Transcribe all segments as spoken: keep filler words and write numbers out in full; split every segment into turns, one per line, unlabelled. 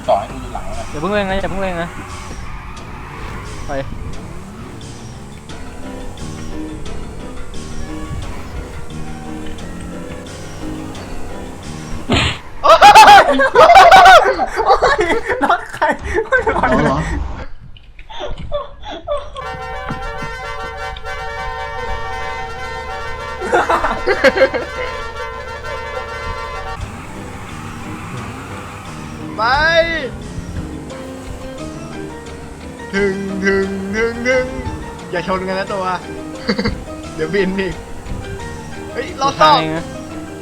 ต่อให้กูอยู่หลังนะ
อย่าเพิ่งเร่งนะอย่าเพิ่งเร่งนะไป
รถใครไม่รอดเลย
ไปถึงถึงถึงถึงอย่าชนกันนะตัว เดี๋ยวบินอีกเฮ้ยรอ
ทา
ซ่
ง
อม
เองนะ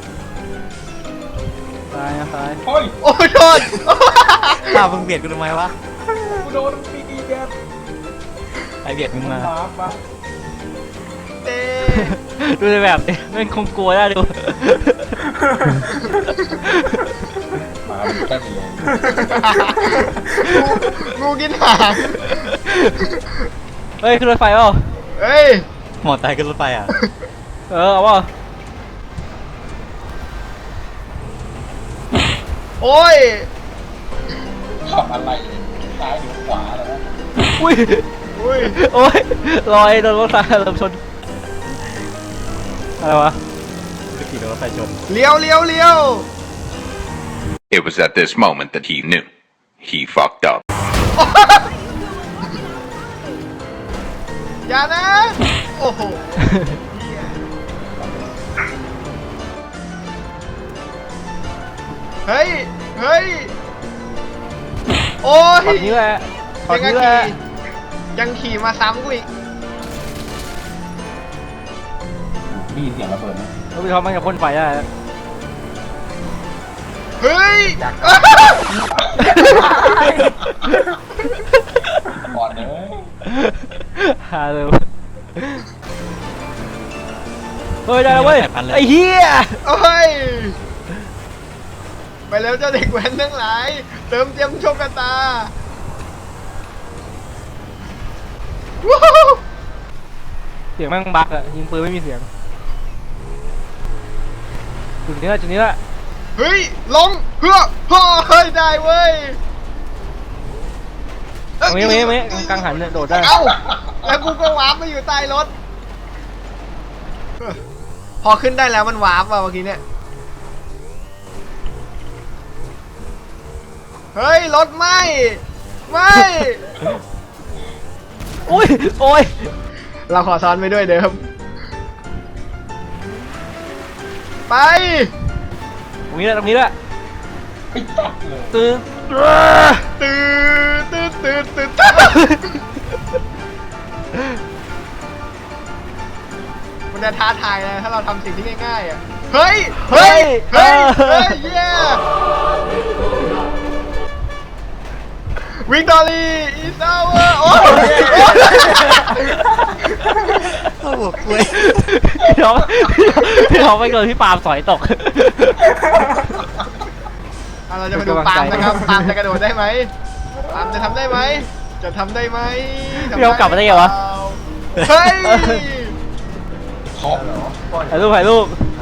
ซ้ายนะซ้าย
โอ้ย
โอ้ยโทษ
ข้ามึงเบียดกูทำไมวะ
กูโดนปีดีแบบ
ไอเบียดมึง
มัน
มา
มาปะ
เต้
ดูในแบบดิมันคงกลัวได้ดู
มาดูแค่นี้
งูงูกินหาง
เฮ้ยขึ้นรถไฟเปล่า
เฮ้ย
หมอตายขึ้นรถไฟอ่ะ
เออเอาเปล่า
โอ้ย
ขับอะไรซ้ายหรือขวาแล้วนะ
อุ้ย
อุ้ย
โอ้ยลอยโดนรถไฟเริ่มชนอะไรวะ
จะขี่รถไฟชน
เลี้ยวเลี้ยวเลี้ยว
It was at this moment that he knew. He fucked up.
อย่านะ โอ้โหเฮ้ย เฮ้ย โอ้ย
ตอนนี้แหละตอน
ยัง
นี้แหละ
ขี่ยังขี่มาซ้ำกูอีก
ได้ยินเสียงระเบิดไหม
รถไฟท้องมันจะพ่นไฟได้
เฮ้ย
ก่อนเลย
หาเลยเฮ้ยได้แล้วเว้ยไอ้เหี้ย
โอ้ย ไปแล้วเจ้าเด็กแว้นทั้งหลาย เติมเต็มโชคชะตาวู้ฮู้
เสียงแม่งบักอะยิงปืนไม่มีเสียงจุดนี้ละจุดนี้ละ
เฮ้ย ลงเพื่อเฮ้อเฮ้ย ได้เว้ย
ตรงนี้ตรงนี้ตรงนี้กลางหันเนี่ยโดดได้
เอ้า แล้วกูก็วาร์ปมาอยู่ใต้รถ พอขึ้นได้แล้วมันวาร์ปว่ะเมื่อกี้เนี่ย เฮ้ย รถไหมไม่
อุ้ยโอ้ย
เราขอซ้อนไปด้วยเดิม ไป
ตรงนี้ละตรงนี้ละ
ไปจับเลย
ตื้อ
ตื่นตื่นตื่นตื่นมันจะท้าทายนะถ้าเราทำสิ่งที่ง่ายๆอ่ะ เฮ้ย เฮ้ย เฮ้ย เฮ้ย เย้วิกตอรี่อีซาวเวอร์โอ้ย
โอ้โหกล้วย
พี่น้องพี่น้องไปโดนพี่ปาล์มสอยตก
อ่ะเราจะมาดูปาล์มนะครับ ปาล์มจะกระโดดได้ไหมปาล์มจะทำได้ไหม จะทำได้ไหมทำ
พี่น้องกลับมาได้ไงวะ
เฮ้ย
ขอบเหรอ
ถ่ายรูปถ่ายรูป